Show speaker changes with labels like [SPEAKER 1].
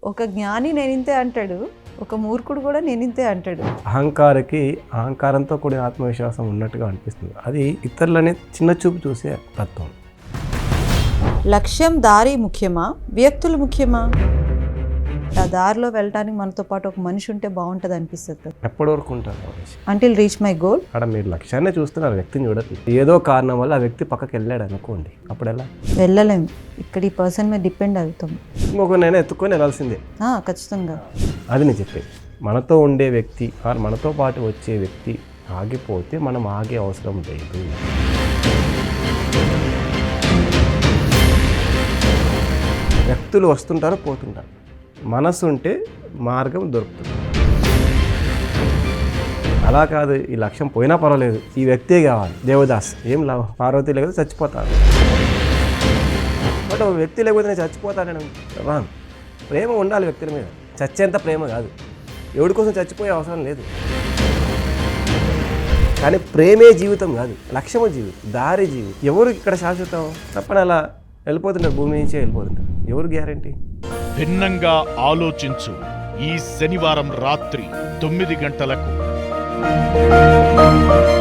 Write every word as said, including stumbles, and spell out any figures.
[SPEAKER 1] ఒక జ్ఞాని నేనింతే అంటాడు, ఒక మూర్ఖుడు కూడా నేనింతే అంటాడు.
[SPEAKER 2] అహంకారకి అహంకారంతో కూడిన ఆత్మవిశ్వాసం ఉన్నట్టుగా అనిపిస్తుంది. అది ఇతరులని చిన్న చూపు చూసే తత్వం.
[SPEAKER 1] లక్ష్యం దారి ముఖ్యమా, వ్యక్తులు ముఖ్యమా? ఆ దారిలో వెళ్ళడానికి మనతో పాటు ఒక మనిషి ఉంటే బాగుంటుంది అనిపిస్తుంది కదా.
[SPEAKER 2] ఎప్పటి వరకు ఉంటారు
[SPEAKER 1] అంటిల్ రీచ్ మై గోల్.
[SPEAKER 2] అక్కడ మీరు లక్ష్యాన్ని చూస్తున్నారు, వ్యక్తిని చూడదు. ఏదో కారణం వల్ల ఆ వ్యక్తి పక్కకి వెళ్ళాడు అనుకోండి, అప్పుడు ఎలా
[SPEAKER 1] వెళ్ళలేము. ఇక్కడ ఈ పర్సన్ మీద డిపెండ్ అవుతాం.
[SPEAKER 2] ఇంకొక నేను ఎత్తుకొని వెళ్ళాల్సిందే.
[SPEAKER 1] ఖచ్చితంగా
[SPEAKER 2] అది నేను చెప్పేది. మనతో ఉండే వ్యక్తి ఆర్ మనతో పాటు వచ్చే వ్యక్తి ఆగిపోతే మనం ఆగే అవసరం లేదు. వ్యక్తులు వస్తుంటారు, పోతుంటారు. మనసు ఉంటే మార్గం దొరుకుతుంది. అలా కాదు, ఈ లక్ష్యం పోయినా పర్వాలేదు, ఈ వ్యక్తే కావాలి. దేవదాస్ ఏం లాభం, పార్వతి లేకపోతే చచ్చిపోతాడు. బట్ వ్యక్తి లేకపోతే నేను చచ్చిపోతానని రాంగ్. ప్రేమ ఉండాలి వ్యక్తుల మీద, చచ్చేంత ప్రేమ కాదు. ఎవడి కోసం చచ్చిపోయే అవసరం లేదు. కానీ ప్రేమే జీవితం కాదు, లక్ష్యము జీవితం, దారి జీవితం. ఎవరు ఇక్కడ శాశ్వతం? తప్పని అలా వెళ్ళిపోతుంటారు, భూమి నుంచే వెళ్ళిపోతుంటారు. ఎవరు గ్యారంటీ?
[SPEAKER 3] భిన్నంగా ఆలోచించు ఈ శనివారం రాత్రి తొమ్మిది గంటలకు.